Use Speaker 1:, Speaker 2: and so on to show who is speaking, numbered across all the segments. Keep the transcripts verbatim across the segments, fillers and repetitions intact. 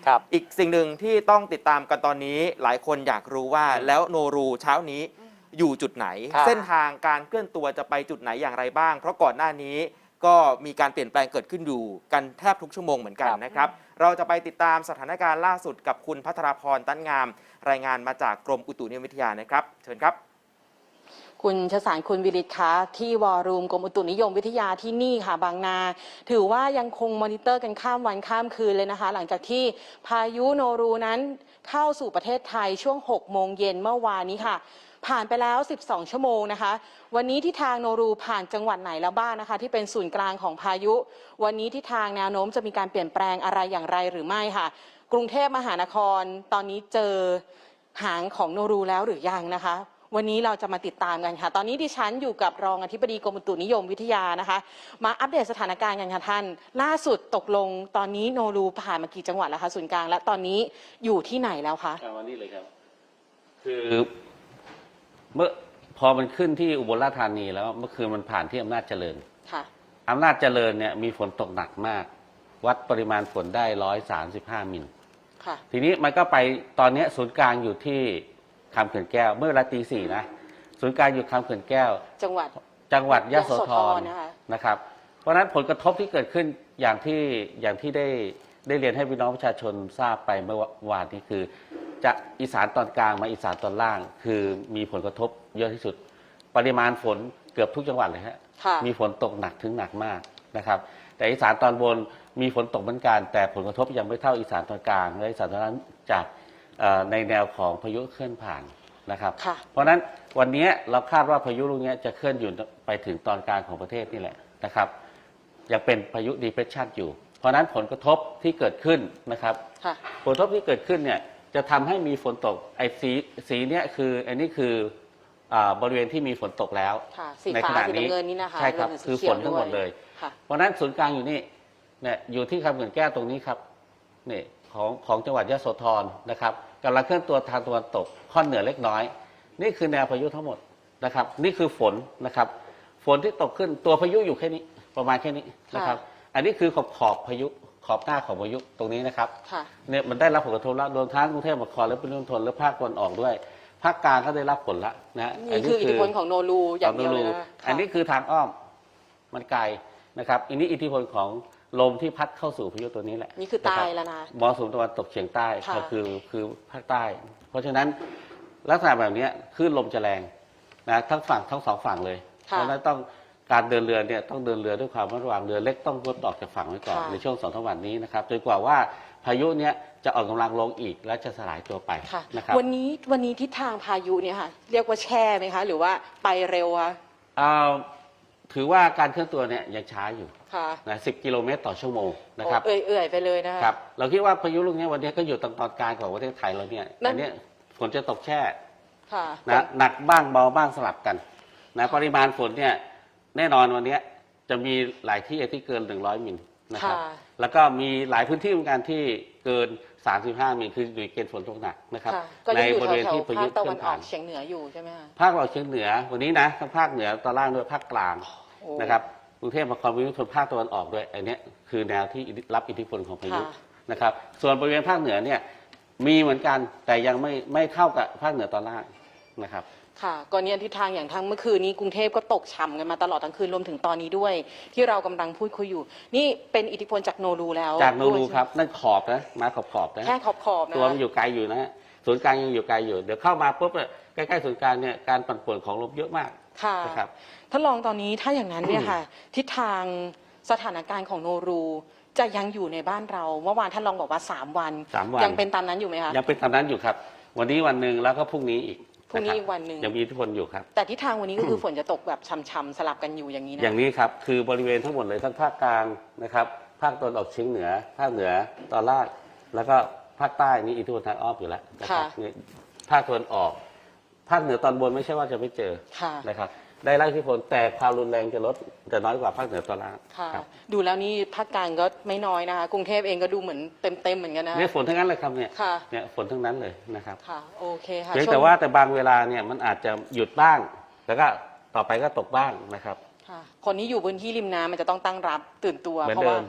Speaker 1: ครับ
Speaker 2: อีกสิ่งหนึ่งที่ต้องติดตามกันตอนนี้หลายคนอยากรู้ว่าแล้วโนรูเช้านี้อยู่จุดไหนเส้นทางการเคลื่อนตัวจะไปจุดไหนอย่างไรบ้างเพราะก่อนหน้านี้ก็มีการเปลี่ยนแปลงเกิดขึ้นอยู่กันแทบทุกชั่วโมงเหมือนกันนะครับเราจะไปติดตามสถานการณ์ล่าสุดกับคุณพัทรพรตั้นงามรายงานมาจากกรมอุตุนิยมวิทยานะครับเชิญครับ
Speaker 3: คุณชสารคุณวิริศคะที่วอรูมกรมอุตุนิยมวิทยาที่นี่ค่ะบางนาถือว่ายังคงมอนิเตอร์กันข้ามวันข้ามคืนเลยนะคะหลังจากที่พายุโนรูนั้นเข้าสู่ประเทศไทยช่วงหกโมงเย็นเมื่อวานนี้ค่ะผ่านไปแล้วสิบสองชั่วโมงนะคะวันนี้ที่ทางโนรูผ่านจังหวัดไหนแล้วบ้างนะคะที่เป็นศูนย์กลางของพายุวันนี้ที่ทางแนวโน้มจะมีการเปลี่ยนแปลงอะไรอย่างไรหรือไม่ค่ะกรุงเทพมหานครตอนนี้เจอหางของโนรูแล้วหรือยังนะคะวันนี้เราจะมาติดตามกันค่ะตอนนี้ดิฉันอยู่กับรองอธิบดีกรมอุตุนิยมวิทยานะคะมาอัปเดตสถานการณ์กันค่ะท่านล่าสุดตกลงตอนนี้โนรูผ่านมากี่จังหวัดแล้วคะศูนย์กลางและตอนนี้อยู่ที่ไหนแล้วคะ
Speaker 4: วันนี้เลยครับคือเมื่อพอมันขึ้นที่อุบลราชธานีแล้วเมื่อคืนมันผ่านที่อำนาจเจริญ
Speaker 3: ค่ะ
Speaker 4: อำนาจเจริญเนี่ยมีฝนตกหนักมากวัดปริมาณฝนได้ร้อยสามสิบห้ามิล
Speaker 3: ค่ะ
Speaker 4: ทีนี้มันก็ไปตอนนี้ศูนย์กลางอยู่ที่คำเขื่อนแก้วเมื่อเวลาตีสี่นะศูนย์กลางอยู่คำเขื่อนแก้ว
Speaker 3: จังหวัด
Speaker 4: จังหวัดยโสธรนะครับเพราะฉะนั้นผลกระทบที่เกิดขึ้นอย่างที่อย่างที่ได้ได้เรียนให้พี่น้องประชาชนทราบไปเมื่อวานนี้คือจะอีสานตอนกลางมาอีสานตอนล่างคือมีผลกระทบเยอะที่สุดปริมาณฝนเกือบทุกจังหวัดเลยฮะมีฝนตกหนักถึงหนักมากนะครับแต่อีสานตอนบนมีฝนตกเหมือนกันแต่ผลกระทบยังไม่เท่าอีสานตอนกลางและอีสานตอนนั้นจากในแนวของพายุเคลื่อนผ่านนะครับเพราะฉะนั้นวันนี้เราคาดว่าพายุลูกนี้จะเคลื่อนอยู่ไปถึงตอนกลางของประเทศนี่แหละนะครับยังเป็นพายุดีเพรสชันอยู่เพราะฉะนั้นผลกระทบที่เกิดขึ้นนะครับผลกระทบที่เกิดขึ้นเนี่ยจะทำให้มีฝนตกไอ้สีสีเนี้ยคืออันนี้คือบริเวณที่มีฝนตกแล้ว
Speaker 3: ในขณะนี้
Speaker 4: ใช่ครับคือฝนทั้งหมดเลยเพราะฉะนั้นศูนย์กลางอยู่นี่เนี่ยอยู่ที่คำเขื่อนแก้วตรงนี้ครับนี่ของของจังหวัดยโสธรนะครับกำลังเคลื่อนตัวทางตะวันตกค่อนเหนือเล็กน้อยนี่คือแนวพายุทั้งหมดนะครับนี่คือฝนนะครับฝนที่ตกขึ้นตัวพายุอยู่แค่นี้ประมาณแค่นี้นะครับอันนี้คือขอบขอบพายุขอบหน้าของพายุตรงนี้นะครับเนี่ยมันได้รับผลกระทบแล้วรวมทั้งกรุงเทพมหานครและปริมณฑลและภาคตะวันออกด้วยภาคกลางก็ได้รับผลละนะ
Speaker 3: นี่คืออิทธิพลของโนรูอย่างเดียวเลยนะ
Speaker 4: อันนี้คือทางอ้อมมันไกลนะครับอันนี้อิทธิพลของลมที่พัดเข้าสู่พายุตัวนี้แหละ
Speaker 3: นี่คือใต้แล้วนะ
Speaker 4: มรสุมตะวันตกเฉียงใต้ก็คือคือภาคใต้เพราะฉะนั้นลักษณะแบบนี้คลื่นลมจะแรงนะทั้งฝั่งทั้งสองฝั่งเลยเพราะฉะนั้นต้องการเดินเรือเนี่ยต้องเดินเรือด้วยความระวังเรือเล็กต้องงดออกจากฝั่งไว้ก่อนในช่วงสองสามวันนี้นะครับจนกว่าว่าพายุเนี้ยจะอ่อนกำลังลงอีกและจะสลายตัวไปนะครับ
Speaker 3: วันนี้วันนี้ทิศทางพายุเนี่ยค่ะเรียกว่าแช่ไหมคะหรือว่าไปเร็วคะ
Speaker 4: ถือว่าการเคลื่อนตัวเนี่ยยังช้าอยู่นะสิบกิโลเมตรต่อชั่วโมงนะครับ
Speaker 3: เอื่อยๆไปเลยนะครับ
Speaker 4: เราคิดว่าพายุลูกนี้วันนี้ก็อยู่ตรงตอนกลางของประเทศไทยเราเนี่ยอันนี้ฝนจะตกแช่นะหนักบ้างเบาบ้างสลับกันนะปริมาณฝนเนี่ยแน่นอนวันนี้จะมีหลายที่ที่เกินหนึ่งร้อยมิลนะครับแล้วก็มีหลายพื้นที่เหมือนกันที่เกินสามสิบห้ามิลคืออยู่ในเกณฑ์ฝนตกหนักนะครับ
Speaker 3: ในบริเวณที่พายุเคลื่อนผ่านเฉียงเหนืออยู่ใช่ไหมคะ
Speaker 4: ภาคตะวันออกเฉียงเหนือวันนี้นะทั้งภาคเหนือตอนล่างด้วยภาคกลางนะครับกรุงเทพมหานครปริมณฑลภาคตะวันออกด้วยอันนี้คือแนวที่รับอิทธิพลของพายุนะครับส่วนบริเวณภาคเหนือเนี่ยมีเหมือนกันแต่ยังไม่ไม่เท่ากับภาคเหนือตอนล่างนะครับ
Speaker 3: ค่ะก่อนนี้ทิศทางอย่างทั้งเมื่อคืนนี้กรุงเทพก็ตกฉ่ำกันมาตลอดทั้งคืนรวมถึงตอนนี้ด้วยที่เรากำลังพูดคุยอยู่นี่เป็นอิทธิพลจากโนรูแล้ว
Speaker 4: จากโนรูครับนั่นขอบนะมาขอบขอบนะ
Speaker 3: แค่ขอบขอบนะ
Speaker 4: ตัวมันอยู่ไกลอยู่นะศูนย์กลางยังอยู่ไกลอยู่เดี๋ยวเข้ามาปุ๊บเนี่ยใกล้ๆศูนย์กลางเนี่ยการปั่นป่วนของลมเยอะมาก
Speaker 3: ค่ะ
Speaker 4: นะครับ
Speaker 3: ท่านรองตอนนี้ถ้าอย่างนั้นเนี่ยค่ะทิศทางสถานการณ์ของโนรูจะยังอยู่ในบ้านเราเมื่อวานท่านรองบอกว่าสามวันยังเป็นตามนั้นอยู่ไหมคะ
Speaker 4: ยังเป็นตามนั้นอยู่ครับวันนี้วันหนึ่งแล้วก็พรุ่งนี้อีก
Speaker 3: พรุ่งนี้อีกวันหนึ่ง
Speaker 4: ยังมีอิทธิพลอยู่ครับ
Speaker 3: แต่ทิศทางวันนี้ก็คือฝนจะตกแบบช่ำๆสลับกันอยู่อย่างนี้นะ
Speaker 4: อย่างนี้ครับคือบริเวณทั้งหมดเลยทั้งภาคกลางนะครับภาคตะวันออกเฉียงเหนือภาคเหนือตอนล่างแล้วก็ภาคใต้นี่อิทธิพลทางอ้อมอยู่แล้วนะครับนี่ภาคตะวันออกภาคเหนือตอนบนไม่ใช่ว่าจะไม่เจอนะครับได้รับอิทธิพลแต่ความรุนแรงจะลดจะน้อยกว่าภาคเหนือตอนล่าง
Speaker 3: ดูแล้วนี่ภาคกลางก็ไม่น้อยนะคะกรุงเทพเองก็ดูเหมือนเต็มๆเหมือนกันนะ
Speaker 4: เนี่ยฝนทั้งนั้นเลยครับเนี่ยเนี่ยฝนทั้งนั้นเลยนะครับ
Speaker 3: ค่ะโอเคค่ะ
Speaker 4: เพียงแต่ว่าแต่บางเวลาเนี่ยมันอาจจะหยุดบ้างแล้วก็ต่อไปก็ตกบ้างนะครับ
Speaker 3: ค่ะคนที่อยู่พื้นที่ริมน้ำมันจะต้องตั้งรับตื่นตัวเพราะว่า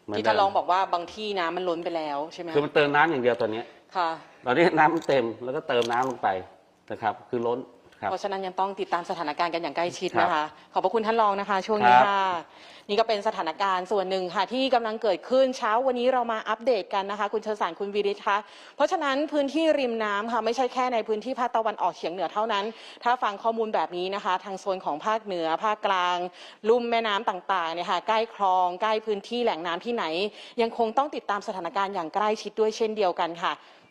Speaker 4: เหมือน
Speaker 3: ที่
Speaker 4: เดิ
Speaker 3: ท่าน
Speaker 4: ม
Speaker 3: รองบอกว่าบางที่น้ำมันล้นไปแล้วใช่ไหม
Speaker 4: คือมันเติมน้ำอย่างเดียวตอนนี้
Speaker 3: ค่ะ
Speaker 4: ตอนนี้น้ำมันเต็มแล้วก็เติมน้ำลงไปนะครับ คือล้นครับ
Speaker 3: เพราะฉะนั้นยังต้องติดตามสถานการณ์กันอย่างใกล้ชิด
Speaker 4: ครับ
Speaker 3: นะคะ ขอบพระคุณท่านรองนะคะ ช่วงนี้
Speaker 4: ครับ
Speaker 3: ค่ะ นี่ก็เป็นสถานการณ์ส่วนหนึ่งค่ะที่กำลังเกิดขึ้นเช้าวันนี้เรามาอัปเดตกันนะคะ คุณเชษสารคุณวิริศคะเพราะฉะนั้นพื้นที่ริมน้ำค่ะไม่ใช่แค่ในพื้นที่ภาคตะวันออกเฉียงเหนือเท่านั้น ถ้าฟังข้อมูลแบบนี้นะคะ ทางโซนของภาคเหนือภาคกลางลุ่มแม่น้ำต่างๆเนี่ยค่ะใกล้คลองใกล้พื้นที่แหล่งน้ำที่ไหน ยังคงต้องติดตามสถานการณ์อย่างใกล้ชิดด้วยเช่นเดียวกันค่ะ